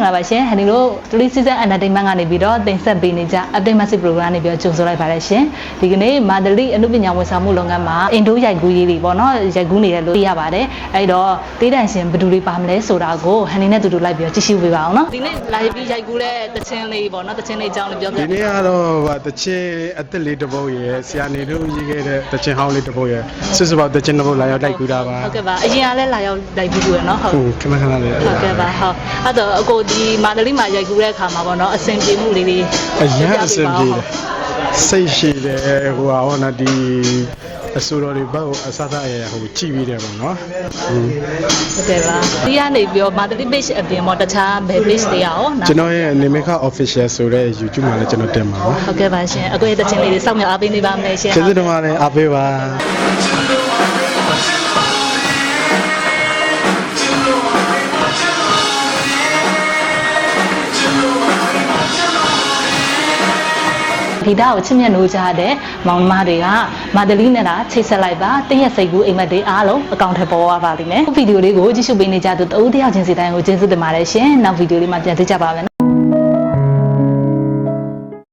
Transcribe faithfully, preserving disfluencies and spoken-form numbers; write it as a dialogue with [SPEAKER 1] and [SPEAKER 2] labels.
[SPEAKER 1] င်္ဂလာပါရှင်ဟန်ဒီတို့ three season entertainment ကနေပြီးတော့တင်ဆက်ပေးနေကြ update message program နေပြီးတော့ကြိုဆိုလိုက်ပါတယ်ရှင်ဒီကနေ့မာဒလီအနုပညာဝန်ဆောင်မှုလုပ်ငန်းမှာအင်ဒိုရိုက်ကူးရေးတွေပေါ့နော်ရိုက်ကူးနေတယ်လို့သိရပါတယ်အဲ့တော့တေးတန်ရှင်ဘယ်သူတွေပါမလဲဆိုတာကိုဟန်ဒီနဲ့တူတူလိုက်ပြီးတော့ကြည့်ရှုပေးပါအောင်နော်ဒီနေ့လာပြီးရိုက်ကူးတဲ့တခြင်းလေးပေါ့နော်တခြင်းလေးအကြောင်းလေးပြောပြ
[SPEAKER 2] ဒီနေ့ကတော့တချင်းအသက်လေးတစ်ပုတ်ရယ်ဆရာနေတို့ရေးခဲ့တဲ့တချင်းဟောင်းလေးတစ်ပုတ်ရယ်စစ်စပေါတချင်းတစ်ပုတ်လာရောက်တိုက်ကူတာပါ
[SPEAKER 1] ဟုတ်ကဲ့ပါအရင်ကလည်းလာရောက်တိုက်ကူးရယ်နော်ဟုတ်
[SPEAKER 2] ဟုတ်ခဏခဏလေး
[SPEAKER 1] ဟုတ်ကဲ့ပါဟုတ်အဲ့တော့အကိုဒီမာဒလီမှာရိုက်ကူးတဲ့အခါမှာပေါ့နော်အဆင်ပြေမှုလေးတွေ
[SPEAKER 2] အရင်အဆင်ပြေတယ်စိတ်ရှိတယ်ဟိုဟာဟောနာဒီအစိုးရတွေဘက်ကိုအစသအရဟိုကြည့်ပြီးတယ်ပေါ့နော်
[SPEAKER 1] ဟုတ်ကဲ့ပါဒီကနေပြီးတော့မာဒလီ page အပြင်ပေါ့တခြားဘယ် page တွေရောနော်
[SPEAKER 2] ကျွန်တော်ရဲ့ Nemeka official ဆိုတဲ့ YouTube မှာလည်းကျွန်တော်တင်ပါပါ
[SPEAKER 1] ဟုတ်ကဲ့ပါရှင်အကိုရဲ့တခြင်းလေးတွေစောင့်မျှော်အားပေးနေပါမယ်ရှင်
[SPEAKER 2] ကျေးဇူးတင်ပါတယ်အားပေးပါ
[SPEAKER 1] ဒီတာကိုချစ်မြတ်လို့ကြားတဲ့မောင်နှမတွေကမာဒလီနဲ့တာချိတ်ဆက်လိုက်ပါတင်းရဲ့စိတ်ကူးအိမ်မက်တွေအားလုံးအကောင့်ထဲပေါ်သွားပါလိမ့်မယ်ဗီဒီယိုလေးကိုကြည့်ရှုပေးနေကြသူတဦးတယောက်ချင်းစီတိုင်းကိုကျေးဇူးတင်ပါတယ်ရှင်နောက်ဗီဒီယိုလေးမှာပြန်တွေ့ကြပါမယ်